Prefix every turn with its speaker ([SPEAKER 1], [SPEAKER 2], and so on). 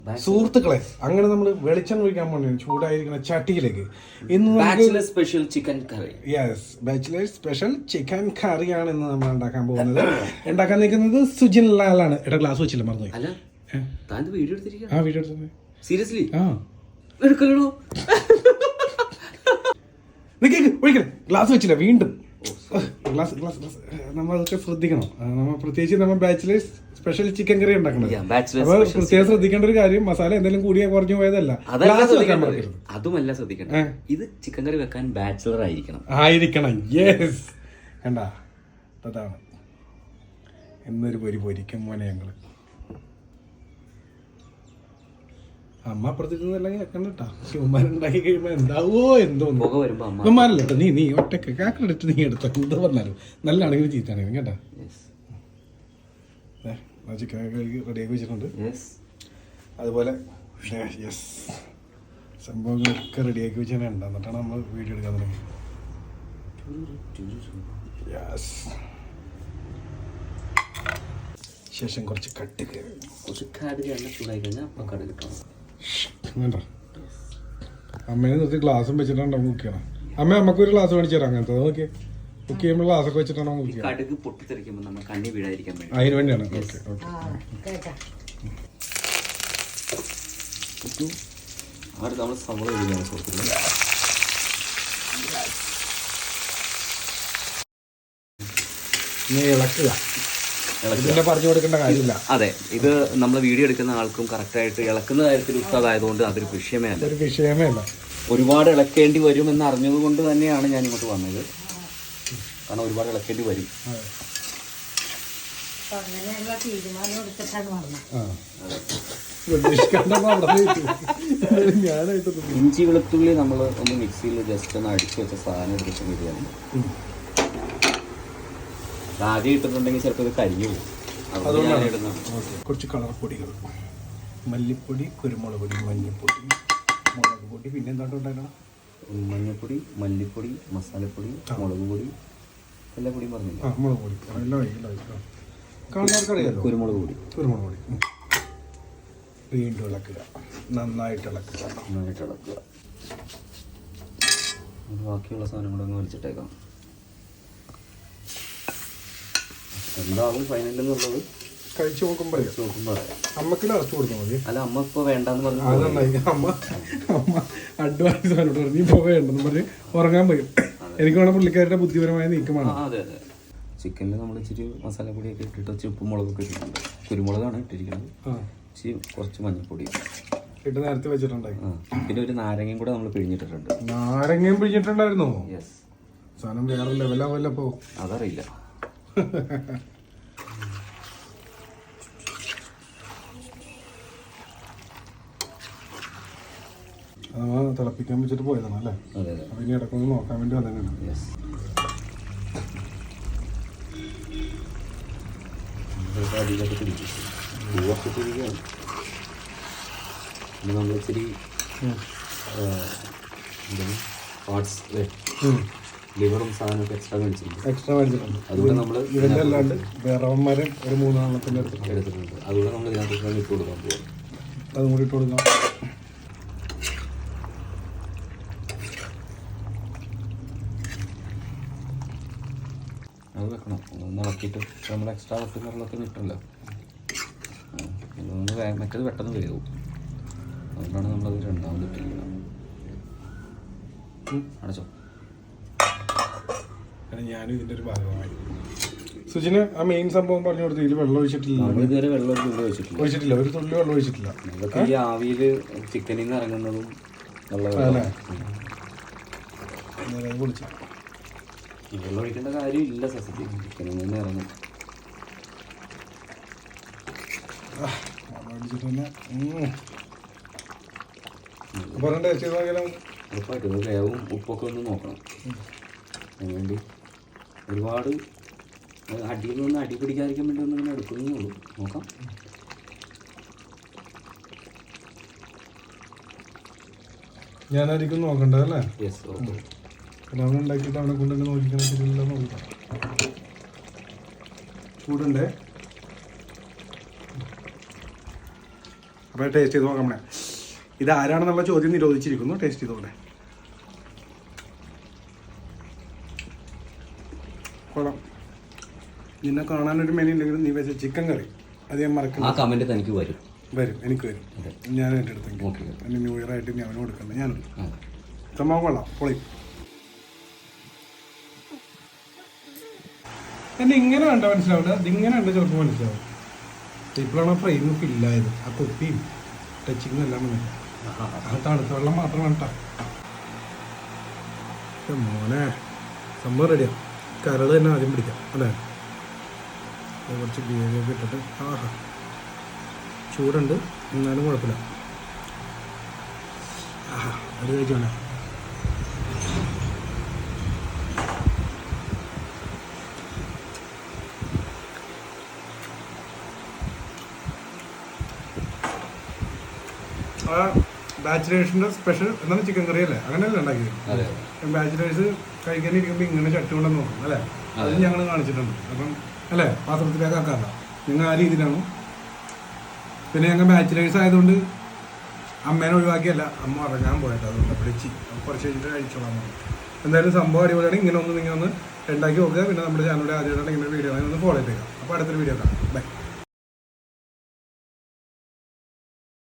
[SPEAKER 1] സുഹൃത്തുക്കളെ, അങ്ങനെ നമ്മൾ വെളിച്ചം ഒഴിക്കാൻ വേണ്ടി ചൂടായിരിക്കുന്ന ചട്ടിയിലേക്ക് ഇന്ന്
[SPEAKER 2] special chicken curry.
[SPEAKER 1] Yes, bachelors special chicken കറിയാണ് ഇന്ന് നമ്മൾ ഉണ്ടാക്കാൻ പോകുന്നത്. ഉണ്ടാക്കാൻ നിൽക്കുന്നത് സുജിൻ ലാലാണ്. എടാ ഗ്ലാസ് വെച്ചില്ല, മറന്നുപോയി.
[SPEAKER 2] അല്ല, വീഡിയോ എടുത്തിരിക്കുക.
[SPEAKER 1] ആ വീഡിയോ എടുത്തത്
[SPEAKER 2] സീരിയസ്ലി?
[SPEAKER 1] ആ
[SPEAKER 2] എടുക്കലോ.
[SPEAKER 1] ഒഴിക്കല, ഗ്ലാസ് വെച്ചില്ല വീണ്ടും. ഗ്ലാസ് ഗ്ലാസ് ഗ്ലാസ് നമ്മൾ അതൊക്കെ ശ്രദ്ധിക്കണം. നമ്മൾ പ്രത്യേകിച്ച് നമ്മൾ ബാച്ചിലേഴ്സ് സ്പെഷ്യൽ ചിക്കൻ കറി ഉണ്ടാക്കുന്നത്. അപ്പൊ പ്രത്യേകം ശ്രദ്ധിക്കേണ്ട ഒരു കാര്യം, മസാല എന്തെങ്കിലും കൂടിയ കുറഞ്ഞു പോയതല്ല.
[SPEAKER 2] അതുമല്ല ശ്രദ്ധിക്കണം, ഇത് ചിക്കൻ കറി വെക്കാൻ ബാച്ചിലർ
[SPEAKER 1] ആയിരിക്കണം. യെസ്, കണ്ടാ, അതാണ് എന്നൊരു പൊരിക്കും മോനെ ഞങ്ങള്. അമ്മ അപ്പുറത്തിരുന്നല്ലെങ്കിൽ കണ്ടിട്ടാ ഉമ്മാരുണ്ടാക്കി കഴിയുമ്പോ എന്താവോ എന്തോന്നു ഉമ്മാരല്ലോ കേട്ടോ. നീ ഒറ്റക്ക് കാക്കടെടുത്ത് നീ എടുത്തോ. എന്ത് പറഞ്ഞാലും നല്ലതാണെങ്കിലും ചീത്താണെങ്കിലും കേട്ടാ. ചിക്കൻ റെഡിയാക്കി വെച്ചിട്ടുണ്ട്. അതുപോലെ യെസ്, സംഭവങ്ങളൊക്കെ റെഡിയാക്കി വെച്ചാൽ ഉണ്ട്. എന്നിട്ടാണ് നമ്മൾ വീഡിയോ എടുക്കാൻ തുടങ്ങി. യെസ്, ശേഷം കുറച്ച് കടുക് വേണ്ട. അമ്മേനെ നിർത്തി ഗ്ലാസും വെച്ചിട്ടാണ് കുക്ക് ചെയ്യണം. അമ്മ നമുക്കൊരു ഗ്ലാസ് മേടിച്ചു തരാം. അങ്ങനത്തെ നോക്കി കുക്ക് ചെയ്യുമ്പോൾ ഗ്ലാസ്സൊക്കെ വെച്ചിട്ടാണ് കുക്ക് ചെയ്യുന്നത്.
[SPEAKER 2] കടുക് പൊട്ടിത്തെറിക്കുമ്പോൾ നമ്മൾ കണ്ണി വീഴാതിരിക്കാൻ വേണ്ടി,
[SPEAKER 1] അതിന് വേണ്ടിയാണ്.
[SPEAKER 2] ഓക്കെ, നമ്മൾ സവോള ഇടുകയാണ് സുഹൃത്തുക്കളെ.
[SPEAKER 1] ഇളക്കുക, ഇതിന്റെ പറഞ്ഞു കൊടുക്കേണ്ട കാര്യമില്ല.
[SPEAKER 2] അതെ, ഇത് നമ്മൾ വീഡിയോ എടുക്കുന്ന ആൾക്കും കറക്റ്റായിട്ട് ഇളക്കുന്ന കാര്യത്തിൽ ഉസ്താദായതുകൊണ്ട് അതൊരു വിഷയമേ അല്ല. ഒരുപാട് ഇളക്കേണ്ടി വരും എന്ന് അറിഞ്ഞത് കൊണ്ട് തന്നെയാണ് ഞാൻ ഇങ്ങോട്ട് വന്നത്. കാരണം ഒരുപാട് ഇളക്കേണ്ടി വരും. ഇഞ്ചി വെളുത്തുള്ളി നമ്മൾ ഒന്ന് മിക്സിയിൽ ജസ്റ്റ് ഒന്ന് അടിച്ചു വെച്ച സാധനം എടുത്ത് ബിരിയാണി ആദ്യം ഇട്ടിട്ടുണ്ടെങ്കിൽ ചിലപ്പോൾ ഇത് കരിഞ്ഞു പോകും.
[SPEAKER 1] കുറച്ച് കളർ പൊടികൾ, മല്ലിപ്പൊടി, കുരുമുളക് പൊടി, മഞ്ഞൾപ്പൊടി, മുളക് പൊടി, പിന്നെ എന്താണ്ട് ഉണ്ടാക്കണം?
[SPEAKER 2] മഞ്ഞൾപ്പൊടി, മല്ലിപ്പൊടി, മസാലപ്പൊടി, മുളക് പൊടി, എല്ലാ പൊടിയും പറഞ്ഞില്ല.
[SPEAKER 1] മുളക് പൊടി കാണുന്നവർക്കറിയാലോ.
[SPEAKER 2] കുരുമുളക് പൊടി
[SPEAKER 1] വീണ്ടും ഇളക്കുക, നന്നായിട്ട് ഇളക്കുക.
[SPEAKER 2] ബാക്കിയുള്ള സാധനം കൂടെ ഒന്ന് വലിച്ചിട്ടേക്കാം. എന്താവും ഫൈനൽ എന്നുള്ളത്
[SPEAKER 1] കഴിച്ചു നോക്കുമ്പോ അമ്മക്ക് ലാസ്റ്റ് കൊടുത്താൽ മതി.
[SPEAKER 2] അല്ല, അമ്മ ഇപ്പൊ വേണ്ടെന്ന് പറഞ്ഞു.
[SPEAKER 1] അമ്മ അഡ്വാൻസ് പറഞ്ഞു, നീ ഇപ്പൊ വേണ്ടെന്ന് പറഞ്ഞ് ഉറങ്ങാൻ പോയി. എനിക്ക് വേണം പുള്ളിക്കാരുടെ ബുദ്ധിപരമായ നീക്കമാണ്.
[SPEAKER 2] അതെ അതെ, ചിക്കനിൽ നമ്മൾ ഇച്ചിരി മസാലപ്പൊടിയൊക്കെ ഇട്ടിട്ട് ഇച്ചിരി ഉപ്പും മുളകൊക്കെ ഇട്ടിട്ടുണ്ട്. കുരുമുളകാണ് ഇട്ടിരിക്കുന്നത്. ഇച്ചിരി കുറച്ച് മഞ്ഞൾപ്പൊടി
[SPEAKER 1] ഇട്ട് നേരത്തെ വെച്ചിട്ടുണ്ടായി.
[SPEAKER 2] പിന്നെ ഒരു നാരങ്ങയും കൂടെ നമ്മൾ പിഴിഞ്ഞിട്ടിട്ടുണ്ട്.
[SPEAKER 1] നാരങ്ങയും പിഴിഞ്ഞിട്ടുണ്ടായിരുന്നോ? യെസ്. സാധനം വേറെ ലെവലാവല്ലോ.
[SPEAKER 2] അതറിയില്ല.
[SPEAKER 1] തിളപ്പിക്കാൻ വെച്ചിട്ട് പോയതാണ് അല്ലേ? അപ്പൊ ഇനി ഇടക്കൊന്ന് നോക്കാൻ വേണ്ടി വന്നതാണ്.
[SPEAKER 2] നമ്മൾ ഇച്ചിരി ലിവറും സാധനമൊക്കെ എക്സ്ട്രാ മേടിച്ചിട്ടുണ്ട്. അതുകൊണ്ട് നമ്മൾ
[SPEAKER 1] ഇതിൻ്റെ അല്ലാണ്ട് വേറവന്മാരെ ഒരു 3 എണ്ണത്തിൻ്റെ
[SPEAKER 2] എടുത്തിട്ടുണ്ട്. അതുകൊണ്ട് നമ്മൾ ഇതിനകത്ത് ഇട്ട് കൊടുക്കാൻ പോകും.
[SPEAKER 1] അതും കൂടി ഇട്ട് കൊടുക്കാം.
[SPEAKER 2] അത് വെക്കണം, ഒന്ന് ഇളക്കിയിട്ട് നമ്മൾ എക്സ്ട്രാ വെട്ടുന്നറിലൊക്കെ കിട്ടില്ല. മറ്റേത് പെട്ടെന്ന് വേവും. അതുകൊണ്ടാണ് നമ്മളത് രണ്ടാമത് ഇട്ടിരിക്കുന്നത്. അടച്ചോ.
[SPEAKER 1] ഞാനും ഇതിൻ്റെ ഒരു ഭാഗമായി. സുജിന് ആ മെയിൻ സംഭവം പറഞ്ഞു കൊടുത്തു. ഇതിൽ വെള്ളം ഒഴിച്ചിട്ടില്ല.
[SPEAKER 2] ഇതുവരെ വെള്ളം ഒരു തുള്ളി ഒഴിച്ചിട്ടില്ല.
[SPEAKER 1] ഒരു തുള്ളി വെള്ളം ഒഴിച്ചിട്ടില്ല.
[SPEAKER 2] അതൊക്കെ ഈ ആവിയിൽ ചിക്കനിൽ നിന്ന് ഇറങ്ങുന്നതും വെള്ളം ഒഴിക്കേണ്ട കാര്യമില്ല. സത്യത്തിൽ ചിക്കനിൽ നിന്ന് ഇറങ്ങും. ഉറപ്പായിട്ടും വേവും ഉപ്പൊക്കെ ഒന്ന് നോക്കണം. അതിനുവേണ്ടി ഒരുപാട് അടിയിൽ നിന്ന് അടി പിടിക്കാതിരിക്കാൻ വേണ്ടി ഒന്നും ഇങ്ങനെ എടുക്കുന്നേ ഉള്ളൂ. നോക്കാം.
[SPEAKER 1] ഞാനായിരിക്കും നോക്കണ്ടല്ലേ?
[SPEAKER 2] Yes, okay.
[SPEAKER 1] അവൻ ഉണ്ടാക്കിയിട്ട് അവനെ കൊണ്ടൊക്കെ നോക്കിക്കാൻ നോക്കാം. ചൂടുണ്ടേ. അപ്പോൾ ടേസ്റ്റ് ചെയ്ത് നോക്കാം. ഇത് ആരാണെന്നുള്ള ചോദ്യം നിരോധിച്ചിരിക്കുന്നു. ടേസ്റ്റ് ചെയ്തോടെ. കൊള്ളാം. നിന്നെ കാണാനൊരു മെനു ഉണ്ടെങ്കിലും നീ വെച്ച ചിക്കൻ കറി അത് ഞാൻ മറക്കണം.
[SPEAKER 2] ആ കമൻറ്റ് തനിക്ക് വരും,
[SPEAKER 1] എനിക്ക് വരും. ഞാൻ എൻ്റെ അടുത്ത് എൻ്റെ ന്യൂ ഇയർ ആയിട്ട് ഞാൻ അവന് കൊടുക്കണ്ട. ഞാനുണ്ട്. സംഭവം കൊള്ളാം, പൊളി. എന്നെ ഇങ്ങനെ കണ്ട മനസ്സിലാവില്ല, ഇതിങ്ങനെ കണ്ട ചിലപ്പോൾ മനസ്സിലാവും. ഇപ്പോഴാണ് ഫ്രെയിം ഫില്ലായത്. ആ കുപ്പിയും ടച്ചിങ്ങും എല്ലാം വന്നില്ല. ആ തണുത്ത വെള്ളം മാത്രം വേണ്ട. മോനെ സംഭവം റെഡിയാണ്. കരൾ തന്നെ ആദ്യം പിടിക്കാം അല്ലേ? കുറച്ച് ഗ്രേവിയൊക്കെ ഇട്ടിട്ട്. ആഹാ, ചൂടുണ്ട് എന്നാലും കുഴപ്പമില്ല. ആഹാ, അത് കഴിച്ചോണേ. ആ ബാച്ചിലേഴ്സിൻ്റെ സ്പെഷ്യൽ എന്താണ് ചിക്കൻ കറി അല്ലേ? അങ്ങനെയല്ലേ ഉണ്ടാക്കിയത്? ബാച്ചിലേഴ്സ് കഴിക്കാനിരിക്കുമ്പോൾ ഇങ്ങനെ ചട്ടി കൊണ്ടെന്ന് നോക്കും അല്ലേ? അത് ഞങ്ങൾ കാണിച്ചിട്ടുണ്ട്. അപ്പം അല്ലേ, പാത്രത്തിലേക്ക് ആക്കാറില്ല. നിങ്ങൾ ആ രീതിയിലാണ്. പിന്നെ ഞങ്ങൾ ബാച്ചിലേഴ്സ് ആയതുകൊണ്ട് അമ്മേനെ ഒഴിവാക്കിയല്ല, അമ്മ ഇറങ്ങാൻ പോയിട്ട് അതുകൊണ്ട് വിളിച്ച് കുറച്ച് കഴിഞ്ഞിട്ട് കഴിച്ചോളാം. എന്തായാലും സംഭവം അടിപൊളിയാണ്. ഇങ്ങനെ ഒന്ന് ഉണ്ടാക്കി നോക്കുക. പിന്നെ നമ്മുടെ ചാനലിൽ ആദ്യമായിട്ടാണ് ഇങ്ങനെ വീഡിയോ ഒന്ന് ഫോളോ ചെയ്തേക്കാം. അപ്പോൾ അടുത്തൊരു വീഡിയോ കാണാം. ബൈ.